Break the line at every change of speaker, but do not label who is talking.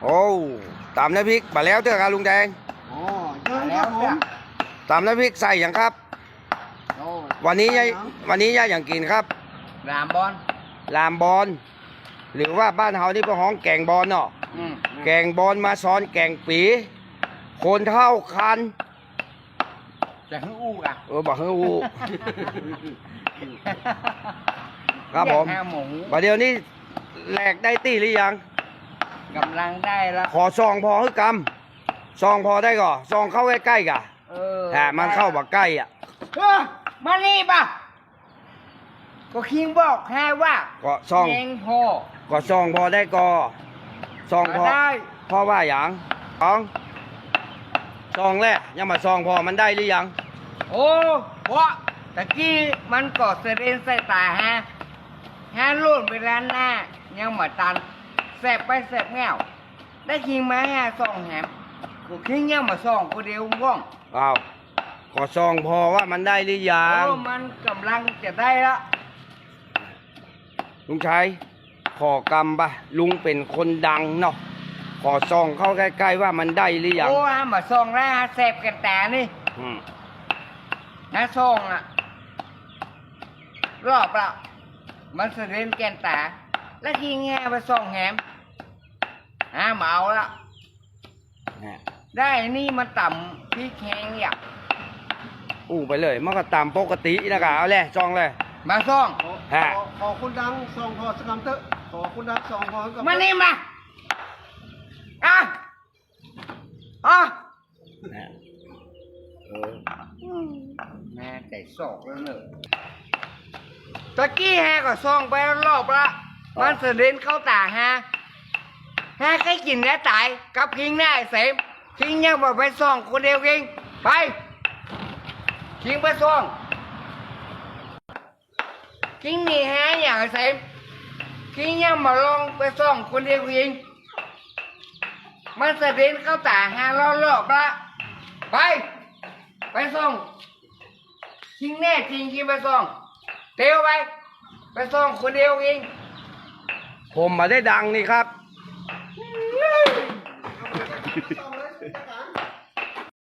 โอ้ตำน้ำพริกมาแล้วเถอะครับลุงแดง
อ๋อเชิญครับผม
ตำน้ำพริกใส่อย่างครับ
โอ้
วันนี้ย่าอย่างกินครับ
รามบอล
ลามบอลหรือว่าบ้านเฮานี่เป็นห้องแกงบอลเนาะแกงบอลมาซ้อนแกงปีคนเท่าคัน
จะให้อู้อ่ะ
บอกให้อูครับผม
หมู
ประเดี๋ยวนี้แหลกได้ตีหรือยัง
กำลังได้แล้ว
ขอซองพอให้กำซองพอได้ก่อซองเข้าใกล้ๆกะแต่มันเข้าแบบใกล้อ่ะ
มานี่ป่ะก็คิงบอกแค่ว่า
ก็ซอง
เองพอ
ก็ซองพอได้ก่อซองพอ
ได้
เพราะว่าอย่างซองแรกยังมาซองพอมันได้หรือยัง
โอ้เพราะตะกี้มันก็เสด็จใส่ตาฮะลุ่นไปร้านหน้ายังมาตันแสบไปแสบแง่วได้คิงมาส่องแหมก็คิงยังมาส่องคนเดียวว่อง
อ้าวก็ซองพอว่ามันได้หรือยัง
มันกำลังจะได้ละ
ลุงชัยขอกำปะลุงเป็นคนดังเนาะขอซองเข้าใกล้ๆว่ามันได้หรือยัง
โอ้มาส่องแล้วแสบกันแต่นี่ส่องอ่ะรอบละมันเสด็จแกนตาแล้วทีแง่ไปส่องแหมมาเอาละได้นี่มันต่ำพี่แข็งอยาก
ไปเลยมันก็ตามปกตินะครับเอาเลยซองเลย
มาส่อง
ขอคุณดังส่องพอสกำเตอะขอคุณดังส่องพอกับ
มานี่มาแม่ใจศอกแล้วเนอะตะกี้ก็ส่องไปรอบละมันเสด็จเข้าตาใครกินแล้วตายกับพิงหน้าเสมพิงยังบอกไปส่องคนเดียวเองไปพิงไปส่องพิงนี่อย่างเสมพิงยังมาลองไปส่องคนเดียวเองมันเสด็จเข้าตารอบละไปส่องพิงแน่จริงพิงไปส่องเตียวไปส่องคนเดียวเอง
ผมมาได้ดังนี่ครับ